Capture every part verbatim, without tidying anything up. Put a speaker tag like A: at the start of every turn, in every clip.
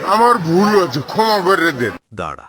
A: আমার ভুল হয়েছে, ক্ষমা করে দেন।
B: দাঁড়া,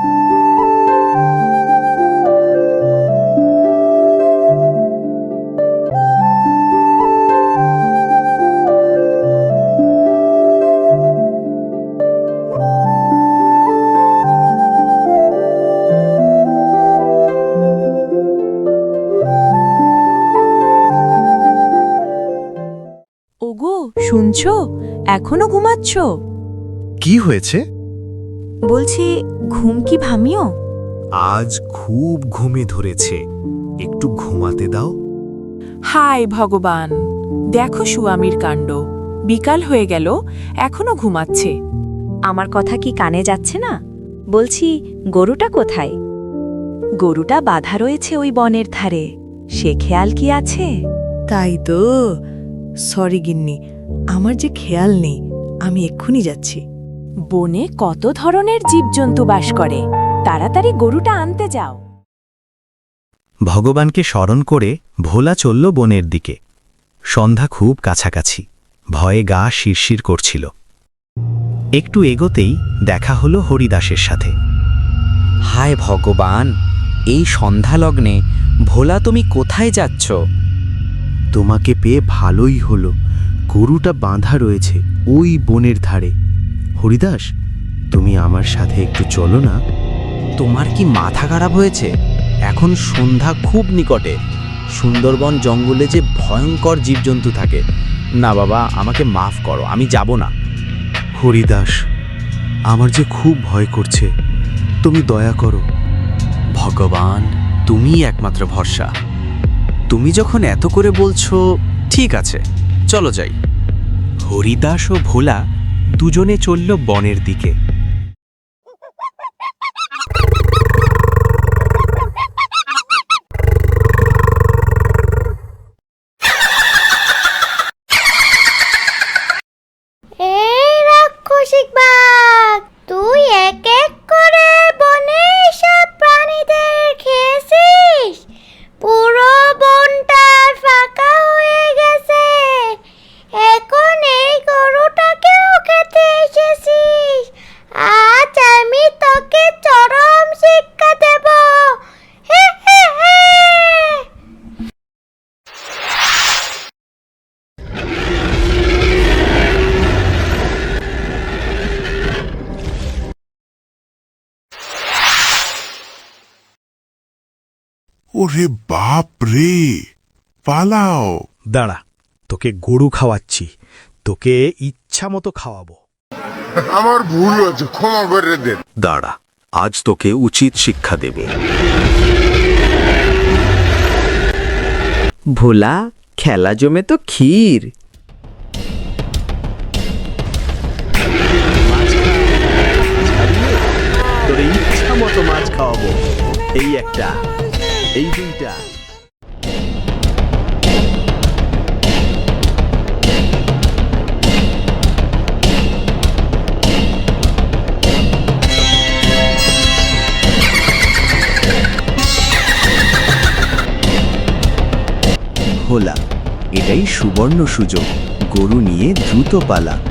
C: ওগো, শুনছো? এখনো ঘুমাচ্ছ?
B: কি হয়েছে?
C: বলছি, ঘুম কি ভামিও?
B: আজ খুব ঘুমে ধরেছে, একটু ঘুমাতে দাও।
C: হায় ভগবান, দেখো সুয়ামীর কাণ্ড। বিকাল হয়ে গেল, এখনো ঘুমাচ্ছে।
D: আমার কথা কি কানে যাচ্ছে না? বলছি, গরুটা কোথায়? গরুটা বাঁধা রয়েছে ওই বনের ধারে, সে খেয়াল কি আছে?
E: তাই তো। সরি গিন্নি, আমার যে খেয়াল নেই। আমি এক্ষুনি যাচ্ছি।
C: বনে কত ধরনের জীবজন্তু বাস করে, তাড়াতাড়ি গরুটা আনতে যাও।
B: ভগবানকে স্মরণ করে ভোলা চলল বনের দিকে। সন্ধ্যা খুব কাছাকাছি, ভয়ে গা শিরশির করছিল। একটু এগোতেই দেখা হলো হরিদাসের সাথে।
F: হায় ভগবান, এই সন্ধ্যালগ্নে ভোলা তুমি কোথায় যাচ্ছ?
G: তোমাকে পেয়ে ভালোই হলো। গরুটা বাঁধা রয়েছে ওই বনের ধারে। হরিদাস, তুমি আমার সাথে একটু চলো না।
F: তোমার কি মাথা খারাপ হয়েছে? এখন সন্ধ্যা খুব নিকটে। সুন্দরবন জঙ্গলে যে ভয়ঙ্কর জীবজন্তু থাকে। না বাবা, আমাকে মাফ করো, আমি যাব না।
G: হরিদাস, আমার যে খুব ভয় করছে, তুমি দয়া করো।
F: ভগবান, তুমিই একমাত্র ভরসা। তুমি যখন এত করে বলছো, ঠিক আছে, চলো যাই।
B: হরিদাস ও ভোলা দুজনে চলল বনের দিকে।
H: এই রাক্ষসিক বাঘ, তুই এক এক করে বনে সব প্রাণীদের খেয়েছিস। পুরো বনটা ফাঁকা হয়ে গেছে। এখন এই গরুটাকেও খেতে এসেছিস। আজ আমি তোকে চরম শিক্ষা দেব। হে হে হে।
A: ওরে বাপ রে, পালাও।
B: দাঁড়া, তোকে গরু খাওয়াচ্ছি, তোকে ইচ্ছা মতো খাওয়াবো।
A: আমার ভুল হয়েছে, ক্ষমা করে দেন।
B: দাঁড়া, আজ তোকে উচিত শিক্ষা দেবে।
F: ভোলা, খেলা জমে তো ক্ষীর।
B: তোর ইচ্ছা মতো মাছ খাওয়াবো। এই একটা, এই দুইটা।
G: ভোলা, এটাই সুবর্ণ সুযোগ। গরু নিয়ে দ্রুত পালা।